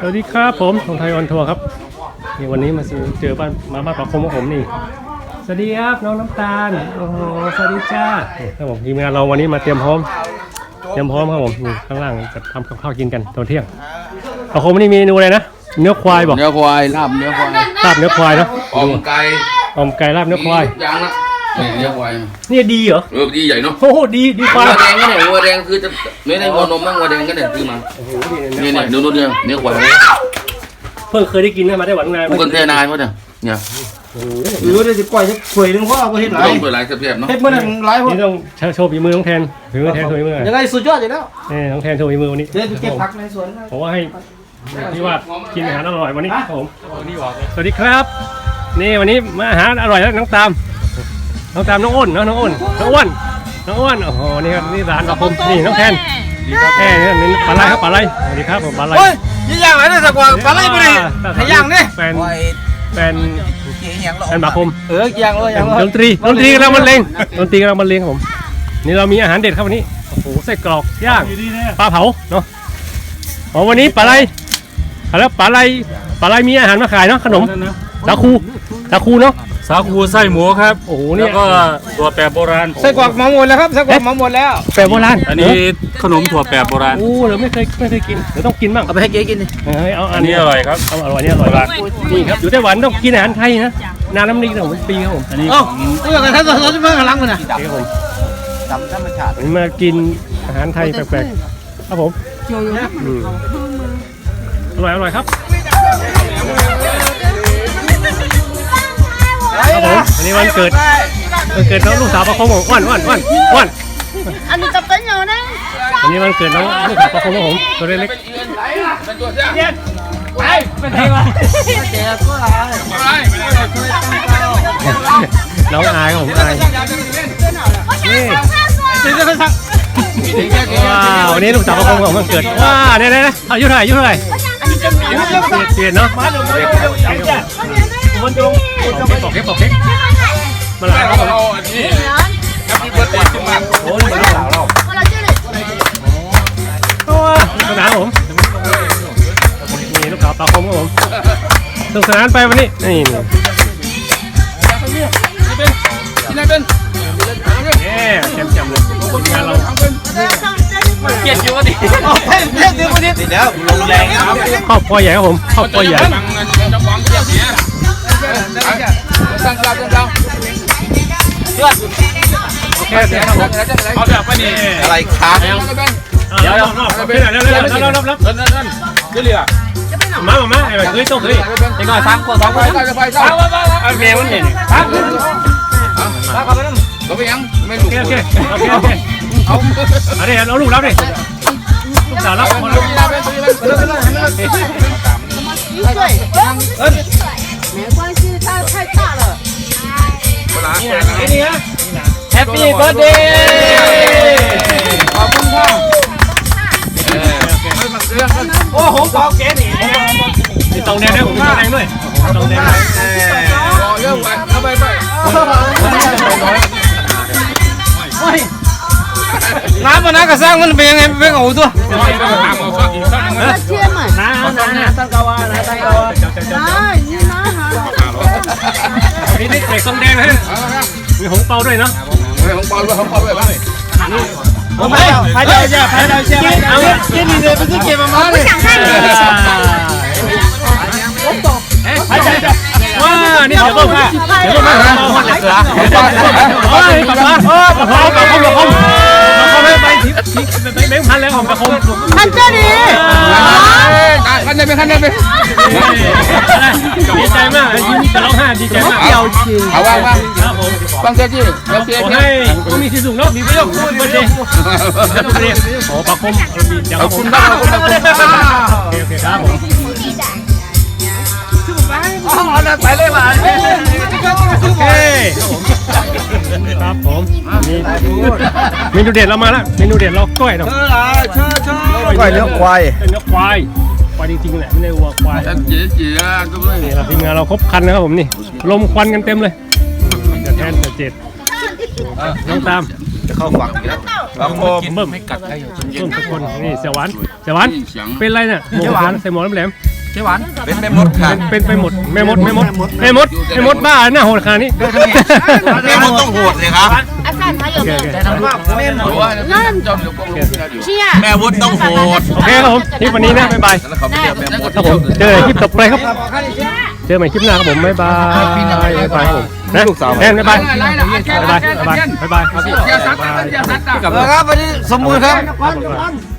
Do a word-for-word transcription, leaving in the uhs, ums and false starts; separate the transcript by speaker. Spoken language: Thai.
Speaker 1: วัสดีครับผมทงไทยออนทัวร์ครับนี่วันนี้มาเจอบ้านมาบ้านปะคมของผมนี่สวัสดีครับน้องน้ำตาลโอ้โหสวัสดีจ้าครับผมทีมงานเราวันนี้มาเตรียมพร้อมเตรียมพร้อมครับผมนี่ข้างล่างจะทำกับข้าวกินกันตอนเที่ยงปะคมนี่เมนูอะไรนะเนื้อควายบอก
Speaker 2: เนื้อควายลาบเนื้อควาย
Speaker 1: ลาบเนื้อควายเนาะ
Speaker 2: อมไก่
Speaker 1: อมไก่ลาบเนื้อควาย
Speaker 2: ยางละเนื้อควาย
Speaker 1: นี่ดีเหรอ
Speaker 2: เออดีใหญ่เนาะ
Speaker 1: โอ้โหดีดีกว่า
Speaker 2: วัวแดงก็เนี่ยวัวแดงคือจะไม่ได้วัวนมมั้งวัวแดงก็เนี่ยซื้อมานี่เนี่ยดูนู่นเนี่ยเนื้อควาย
Speaker 1: เพิ่งเคยได้กินได้มาได้หวานนาย
Speaker 2: ผู้กันเทนายเขาเนี่ยเนี่ย
Speaker 3: หรือได้จะปล่อยจะข่อยนึงเพราะเอาเห็ดหลาย
Speaker 2: ต้องเปิดหลายเสียบเนาะ
Speaker 3: เห็ดเมื่อนั้นหลายพวก
Speaker 1: นี่ต้องโชว์ฝีมือน้องแทนฝีมือแทนโชว์ฝีมือ
Speaker 3: ยังไงสุดยอดอยู่แล้ว
Speaker 1: นี่น้องแทนโชว์ฝีมือวันนี้
Speaker 3: เดี๋ยวเก็บผักในสวน
Speaker 1: ผมว่าให้ที่ว่ากินอาหารอร่อยวันนี้ครับผมสวัสดีครับนี่วันนี้มาอาหารอร่อยแล้วน้องตามน้องตามน้องอ้นน้องอ้นน้องอ้วนน้องอ้วนโอ้โหนี่ครับนี่ร้านกับผมนี่น้องแทนแทนนี่ปลาไหลครับปลาไหลสวัสดีครับผมปลาไหล
Speaker 3: โอ้ยยี่ย่างอะไรเนี่ยสักว่าปลาไหลไปดิขย่างเนี่ย
Speaker 1: แฟนแฟนแฟนบาคม
Speaker 3: เออย่างเลยอย่างเลย
Speaker 1: ดนตรีดนตรีกำลังบรรเลงดนตรีกำลังบรรเลงครับผมนี่เรามีอาหารเด็ดครับวันนี้โอ้โหไส้กรอกย่างปลาเผาเนาะอ๋อวันนี้ปลาไหลแล้วปลาไหลปลาไหลมีอาหารมาขายเนาะขนมสาคูสาคูเนาะ
Speaker 4: สาคูไส้หมูครับ
Speaker 1: โอ้โห
Speaker 4: นี่ก็ถั่วแปบโบราณ
Speaker 3: ไส้กรอกมาหมดแล้วครับไส้กรอกมาหมดแล้ว
Speaker 1: แปบโบราณ
Speaker 4: อันนี้ขนมถั่วแปบโบราณ
Speaker 1: โอ้เราไม่เคยไม่เคยกินเดี๋ยวต้องกินบ้าง
Speaker 3: เอาไปให้เก๋กินดิ
Speaker 1: เฮ้ยเอาอั
Speaker 4: อั
Speaker 1: น
Speaker 4: น
Speaker 1: นี้
Speaker 4: นี้อร่อยครับ
Speaker 1: เอาอร่อยนี่อร่อยมากนี่ครับอยู่ไต้หวันต้องกินอาหารไทยนะนานน้ำนิ่งของปีครับผม
Speaker 4: อันนี้
Speaker 3: อ๋อเมื่อกันท่านสอนที่เมื่อกำลังมันนะ
Speaker 1: ครับผม
Speaker 3: ดำธรรมชาติ
Speaker 1: มากินอาหารไทยแปลกๆครับผมอร่อยอร่อยครับครับผมอันนี้วันเกิดวันเกิดน้องลูกสาวประคองของอ้วนอ้วนอ้วนอ้วน
Speaker 5: อันนี้จะเป็นยังไง
Speaker 1: อันนี้วันเกิดน้องลูกสาวประคองของผมตัวเล็กๆไปไปไหนวะน้องอายครับผมอายนี่ว้าววันนี้ลูกสาวประคองของวันเกิดว้าเนี่ยเนี่ยอายุเท่าไหร่อายุเท่าไหร่เปลี่ยนเนาะมันจงปอกเค้กปอกเค้กมาหลายครับผมนี่แฮปปี้เบิร์ดเดย์ขึ้นมาโอ้ยมาหลายเราโอ้ยสนานผมนี่ลูกสาวปลาคมครับผมสนุกสนานไปวันนี้นี่นี่
Speaker 2: ที่ไหนเป็น
Speaker 1: เนี่ยแจ่มๆเลยงานเรา
Speaker 2: เกียรติอยู่วะดิ
Speaker 3: เฮ้ยเรียกเดี๋ยววันนี้ติดแล้วลงแรงครับ
Speaker 1: ครอบครัวใหญ่ครับผมครอบครัวใหญ่
Speaker 2: ตั้งกลางตั้งกลาง
Speaker 1: โอเคโอเคครับผม
Speaker 4: เอาแบบนี้
Speaker 3: อะไรครับ
Speaker 1: เดี๋ยวเดี๋ยวเดี๋ยวเดี๋ยวเดี๋ยวเดี๋ยวเดี๋ยวเดี๋ยวเดี๋ยว
Speaker 2: นั่นนั่นนั่นเรือ
Speaker 1: มามาไอ้แบบเฮ้ยต้องเฮ้ยไอ้ก้อยฟังก่อนฟังก่อนไอ้เมย์มันเห็นฟัง
Speaker 2: ฟังเขาไปนั่นเขาไปยังไม่รู้
Speaker 1: โอเคโอเคโอเคโอเคเอาอันนี้เอาลูกรับดิลูกสาวรับคนรับ
Speaker 5: 一岁，没关系，他太大了。
Speaker 1: นี่นะ
Speaker 3: Happy birthday
Speaker 2: ขอบคุณค่ะ
Speaker 3: โอ้โหเปล่าแกนี่
Speaker 1: นี่ตองแดงด้วยผมตองแดงด้วยตองแดง
Speaker 2: เยอะไปเอาไปไป
Speaker 3: น้ำมันน้ำกระซังมันเป็นยังไงเป็นเอาตัว
Speaker 5: 那接嘛，
Speaker 3: น้ำน้ำน้ำตั้งกาวาน้ำตั้งกาวา
Speaker 5: 拿你拿好。
Speaker 1: นี่นี่เด็กตองแดงนะมีหงเปาด้วยเนาะ
Speaker 2: ของปอนด้วยของปอนด้วยบ้าง
Speaker 3: 我没有，拍照一下，拍照一下。给你的不是给妈妈的。我懂。拍照一下。
Speaker 1: ว้านี่เดี๋ยวก็มาเดี๋ยวก็มาเฮ้ยกลับมาโอ้กระเพาะกระเพาะกระเพาะกระเพาะไม่ไปทิพย์ไปแบงค์พันแล้วของกระเพาะ
Speaker 5: 看这里。
Speaker 2: ขันได้ไหมขันได้ไหม
Speaker 1: ดีใจมากยิ้มจะร้องไห้ดีใจมาก
Speaker 3: 表情。
Speaker 2: เอาว่างว่าง
Speaker 1: ครับผม
Speaker 2: ฟังเจ้าจี้โอเค
Speaker 1: ขอให้คุณมีสีสูงเนาะมีประโยชน์คุณประเดี๋ยวประเดี๋ยวโอ้ปากคม
Speaker 2: ขอบคุณมากขอบคุณมาก
Speaker 1: โอเคโอเคครับผม
Speaker 3: อ๋อนั่นไปเลยมา
Speaker 1: โอเคครับผมมีเมนูเด็ดเรามาแล้วเมนูเด็ดเราก้อยเนาะ
Speaker 3: ก้อยเนื้อควาย
Speaker 1: เนื้อควายควายจริงๆแหละไม่ได้วัวควาย
Speaker 2: จีจีอ่ะก็ไม่
Speaker 1: นี่เราทีมงานเราครบคันนะครับผมนี่ลมควันกันเต็มเลยจะแทนจะเจ็ดน้องตาม
Speaker 3: จะเข้าฝั่งแล้ว
Speaker 1: บางโมเบิ่มไม่กัดได้อยู่เบิ่มทุกคนนี่เสียหวานเสียหวานเป็นไรเนี่ยหมวกหวานใส่หมวกแหลม
Speaker 2: เขียวหวาน
Speaker 6: เป็นแม่มดค่ะ
Speaker 1: เป็นไปหมดแม่มดแม่มดแม่มดแม่มดบ้าหน้าโหดขนาดนี้
Speaker 6: แม่มดต้องโหดเลยครับ
Speaker 5: 阿三还有没有？
Speaker 2: แต่ทำว่าแม่หมดว่าจอมเดี๋ยวก็รู้ที่เราอยู่
Speaker 5: 是呀。
Speaker 6: แม่มดต้องโหด
Speaker 1: โอเคครับผมคลิปวันนี้นะบ๊ายบาย
Speaker 2: แล้วเขาไม่เรียกแม่หมด
Speaker 1: ครับผมเจอกันคลิปต่อไปครับ เจอใหม่คลิปหน้าครับผมบ๊ายบายบ๊ายบายครับผมนะแทนบ๊ายบายบ๊ายบายบ๊ายบายบ๊ายบายครับ
Speaker 2: อย่าซัดอย่าซัด
Speaker 6: ครับวันนี้สมบูรณ์ครับ